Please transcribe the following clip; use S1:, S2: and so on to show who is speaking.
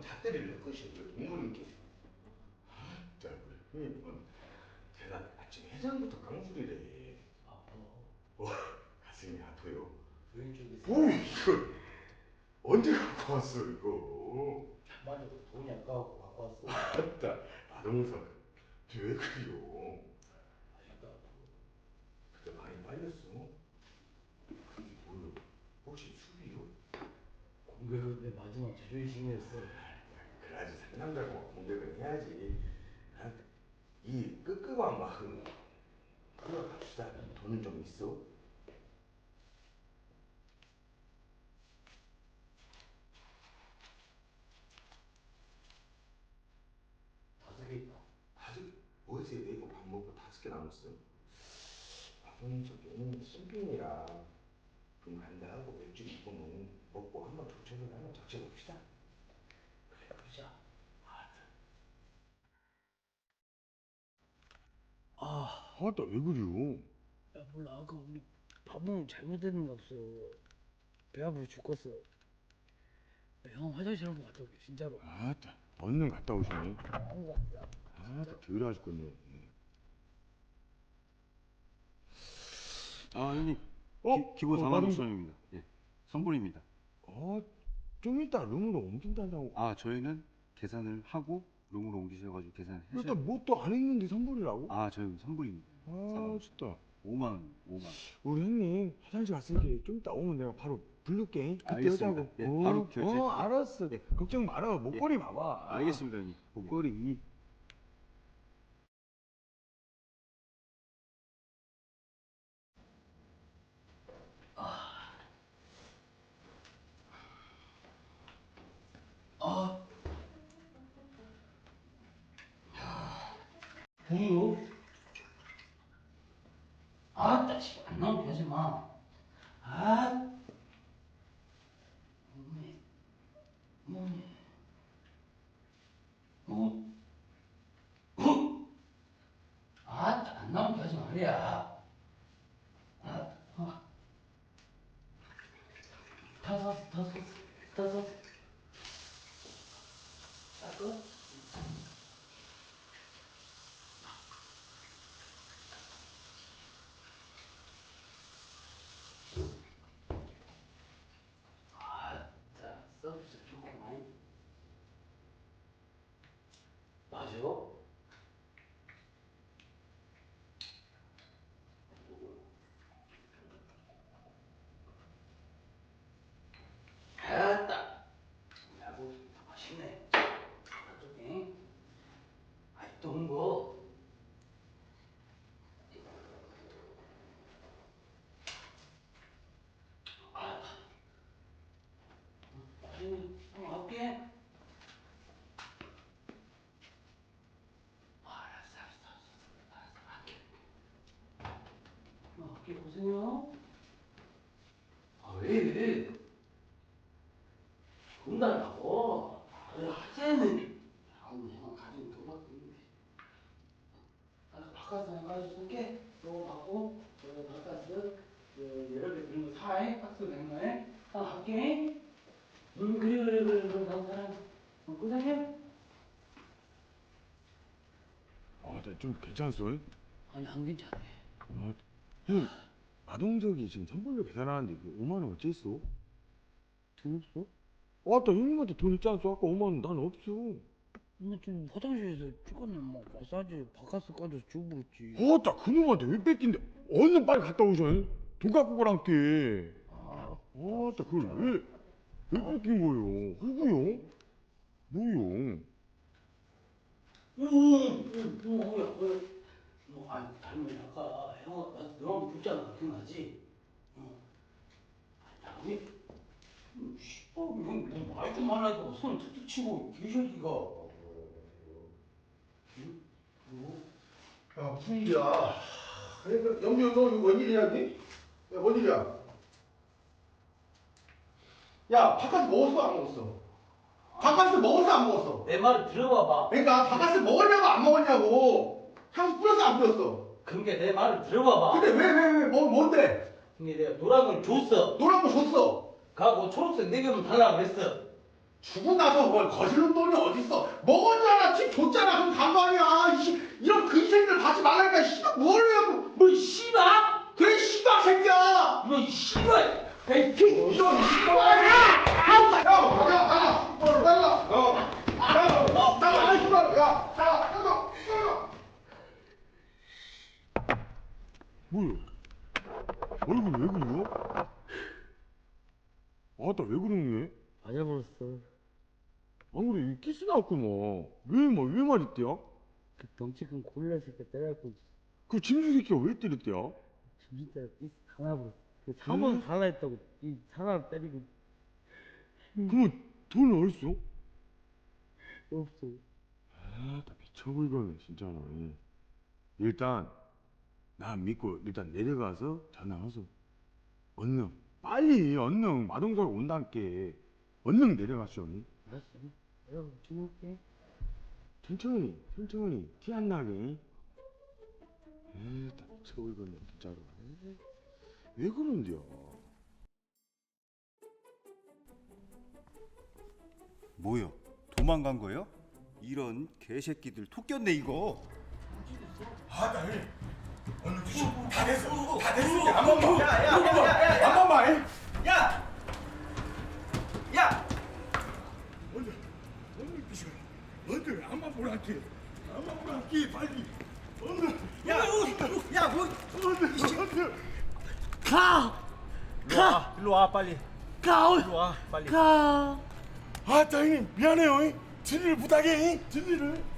S1: 잣대를 낼 것이야. 이거 동물인게. 자, 그래. 대단. 아침 해장부터 깡소리래.
S2: 아파.
S1: 가슴이 아파요.
S2: 왼쪽이.
S1: 오, 이거 언제 갖고 왔어 이거?
S2: 맞아, 돈이 아까워 갖고 왔어.
S1: 맞다. 마동석. 왜 그래요?
S2: 아직도 아파.
S1: 그때 많이 빨렸어. 그게 뭐요? 혹시 수비요?
S2: 공격은 내 마지막 자존심이었어.
S1: 그래야지 상남자고 공격은 해야지. 이 끄끄한 마음 끌어갑시다. 돈은 좀 있어?
S2: 다섯 개 있다.
S1: 어디서 내고 밥 먹고 5개 남았어. 밥은 저기 신빙이라 좀 간다 하고 맥주 먹고 한번 조처를 한번 적셔봅시다.
S2: 그래, 그러자.
S1: 아따 왜 그래요?
S2: 야, 몰라. 아까 우리 밥 먹으면 잘못된 거 없어. 배 아프고 죽겠어. 야, 형 화장실 한번 갔다 올게, 진짜로.
S1: 아따 얼른 갔다 오시네.
S2: 한번 갔다.
S1: 아따 덜 하셨군요.
S3: 아, 형님. 기본 46,000원입니다. 예. 선불입니다.
S1: 좀 이따 룸으로 옮긴다고.
S3: 아, 저희는 계산을 하고 룸으로 옮기셔가지고 계산을 해서.
S1: 일단 뭣도 안 했는데 선불이라고?
S3: 아, 저희 선불입니다.
S1: 진짜.
S3: 5만 원, 5만 원.
S1: 우리 형님 화장실 갔으니까 좀 이따 오면 내가 바로 부를게. 그때
S3: 알겠습니다.
S1: 하자고.
S3: 예, 바로 결제.
S1: 알았어.
S3: 예.
S1: 걱정 말아. 목걸이 봐봐.
S3: 알겠습니다, 형님.
S1: 목걸이.
S2: 뭐요? 아따, 씨, 안 나오게 하지 마. 아, 몸이, 몸이, 아따, 안 나오게 하지 말이야. 다 샀어, 다 샀어, 다 샀어. 닦어? 아따, 서비스 좋구만. 맞아? 아따, 야구 맛있네. 어떡해? 아직도 온 거. 할게. 알았어, 할게. 할게, 고생해요. 왜? 돈 달라고? 그래, 하재는. 아우, 형아, 가진 돈밖에 없는데. 바카스 하나까지 쏠게. 너 받고, 바카스, 여러 개 들은 거 사해. 박스 된 거에. 할게. 그래. 그럼 다음 사람. 고생해.
S1: 좀 괜찮았어?
S2: 아니, 안 괜찮아.
S1: 형, 마동석이 지금 선불로 계산하는데 그 5만 원 어째 있어? 돈 없어? 아따 형님한테 돈 있지 않았어? 아까 5만 원 난 없어.
S2: 근데 좀 화장실에서 찍었네. 뭐 마사지 바카스 까져서 주부르지.
S1: 아따 그놈한테 왜 뺏긴데? 얼른 빨리 갔다 오셔. 돈 갖고 가란게. 아따 그걸 왜 뺏긴 거요? 누구요? 뭐요?
S2: 아니, 닮은 아까 형아 너랑 붙잖아. 기억나지? 아니, 말 좀 말라니까 손 툭툭 치고 개새끼가. 응? 뭐?
S4: 야, 무슨 일이야? 그러니까 영주 너 이거 뭔 일이야, 니? 야, 뭔 일이야? 야, 바카스 먹었어, 안 먹었어? 바카스 먹었어, 안 먹었어?
S2: 내 말을 들어봐봐.
S4: 그러니까 바카스 먹었냐고 안 먹었냐고? 향수 뿌렸어, 안 뿌렸어?
S2: 그러니까 내 말을 들어봐봐.
S4: 근데 뭔데?
S2: 근데 내가 노란 걸 줬어.
S4: 노란 거 줬어.
S2: 가고 초록색 4개만 달라고 그랬어.
S4: 주고 나서 뭘 거실로 돈이 어딨어? 먹었잖아, 집 줬잖아, 그럼 간 거 아니야. 이런 그 인생들 받지 말라니까. 씨발 뭘 하고?
S2: 뭐 씨발?
S4: 그래 씨발 새끼야.
S2: 뭐 씨발?
S4: 이런 씨발.
S5: 뭐야? 얼굴 왜 그려? 아따 왜 그러니?
S6: 맞아버렸어.
S5: 안 그래 이 키스 나왔구만. 왜 말했대야?
S6: 그 덩치 큰 고릴라 새끼 때려갖고
S5: 그 짐승 새끼가 왜 때렸대야?
S6: 정신 때려 삐 하나버렸어. 그 사번 달라 했다고 이 하나 때리고
S5: 그러면 돈 어딨어?
S6: 없어.
S5: 아나 미쳐버리겠네 진짜로. 일단 나 믿고 일단 내려가서 전화와서 얼른 얼른 마동석 온다니까. 얼른 내려갔어.
S6: 알았어. 내가 주문할게.
S5: 천천히 티 안 나게. 나 미쳐버리겠네 진짜로. 왜 그런데요?
S7: 뭐요? 도망간 거요? 이런 개새끼들 토꼈네 이거.
S4: 다 됐어. 한 번만. 한 번만. 언제 한번 보라게. 한번 보라게 빨리.
S7: 일로 와 빨리. 일로 와 빨리.
S4: 아, 형님 미안해요. 진리를 부탁해. 진리를.